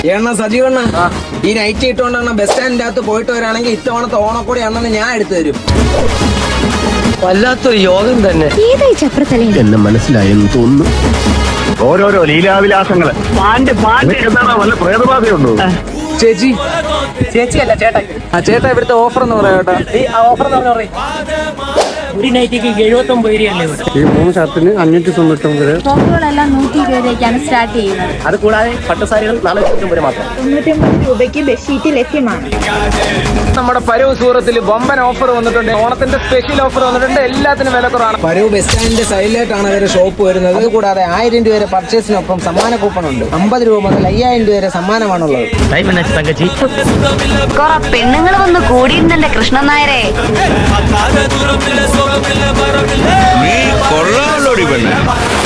എണ്ണ സജീവണ്ണ ഈ night ഇട്ടുകൊണ്ടാണ് bus സ്റ്റാൻഡിന്റെ അകത്ത് പോയിട്ട് വരാണെങ്കിൽ ഇത്തവണത്തെ ഓണക്കൂടി അണ്ണന് ഞാൻ എടുത്തു തരും. വല്ലാത്തൊരു യോഗം തന്നെ. എന്നെ മനസ്സിലായെന്ന് തോന്നുന്നു. ഓരോരോ ലീലാവിലാസങ്ങള്. വല്ല പ്രേതബാധയുണ്ടോ? ചേച്ചിയല്ല ചേട്ടൻ. ചേട്ടാ ഇവിടുത്തെ ഓഫർ എന്ന് പറയാം കേട്ടോ. ഈ ഓഫർ എന്ന് പറഞ്ഞ ഒരു നൈറ്റിക്ക് 79 രൂപയല്ലേ ഇവിടെ. ഈ 3 ഷർട്ടിന് 599. ടോപ്പുകളെല്ലാം 120 രൂപയ്ക്കാണ് സ്റ്റാർട്ട് ചെയ്യുന്നത്. അത് കൂടാതെ പട്ടുസാരികൾ 499 മാത്രം. 99 രൂപയ്ക്ക് ബെഡ്ഷീറ്റ് ലഭ്യമാണ്. നമ്മുടെ പരവ് സൂറത്തിൽ ബൊമ്പൻ ഓഫർ വന്നിട്ടുണ്ട്. ഓണത്തിന്റെ സ്പെഷ്യൽ ഓഫർ വന്നിട്ടുണ്ട്. എല്ലാത്തിനും വില കുറവാണ്. പരവ് ബസ് സ്റ്റാൻഡിന്റെ സൈഡിലേക്കാണ് അവരുടെ ഷോപ്പ് വരുന്നത്. അതുകൂടാതെ 1000 രൂപ വരെ പർച്ചേസിനൊപ്പം സമ്മാന കൂപ്പൺ ഉണ്ട്. 50 രൂപ മുതൽ 5000 രൂപ വരെ സമ്മാനമാണുള്ളത്. പെണ്ണുങ്ങൾ വന്ന് കൂടിയിരുന്നല്ലേ കൃഷ്ണൻ നായരെ. നീ കൊള്ളാമല്ലോടി പെണ്ണെ.